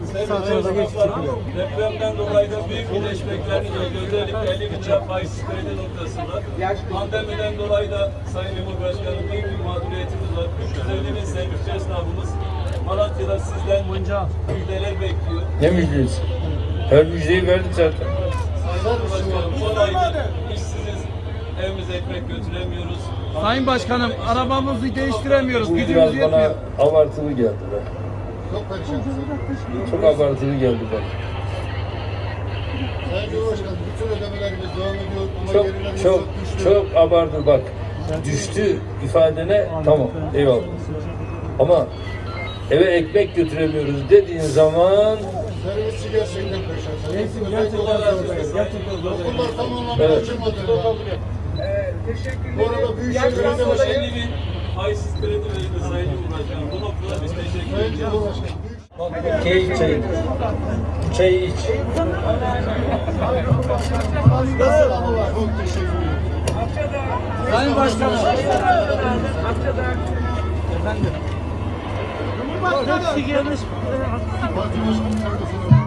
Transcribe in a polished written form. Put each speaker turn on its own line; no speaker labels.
Depremden dolayı da büyük birleşmeklerini gördük. Özellikle 50 bin lira faizsiz kredi noktasında. Pandemiden dolayı da Sayın Cumhurbaşkanı büyük bir mağduriyetimiz var. 350 bin servisçi esnafımız Malatya'da sizden müjdeler bekliyor.
Ne müjdesi? Her müjdeyi verdik zaten.
Sayın Cumhurbaşkanım, son aydır işsiziz, evimize ekmek götüremiyoruz.
Sayın Başkanım, arabamızı değiştiremiyoruz.
Bu
Gücümüz
biraz
yetmiyor.
bana abartılı geldi be.
Çok perişansınız.
Çok abartılı geldi bana.
Sayın Cumhurbaşkanım, bütün ödemelerimiz devam ediyor ama gerilerimiz
Çok
düştü.
çok abartı bak. Düştü ifadene tamam eyvallah. Ama eve ekmek götüremiyoruz dediğin zaman
Servisçi gerçekten perişan.
Neyse, gerçekten zor.
Okullar tamamen
Evet.
açılmadı. Bu arada Büyükşehir Belediye
50
Başkanı,
bin faizsiz kredi verildi Sayın Cumhurbaşkanım. Bu noktada biz teşekkür
Sayın
ediyoruz.
Cumhurbaşkanım,
keyif çayı. Bu çayı iç.
çok teşekkür ederim.
Sayın Başkanım. Efendim.
Parti Başkanı kardeşim.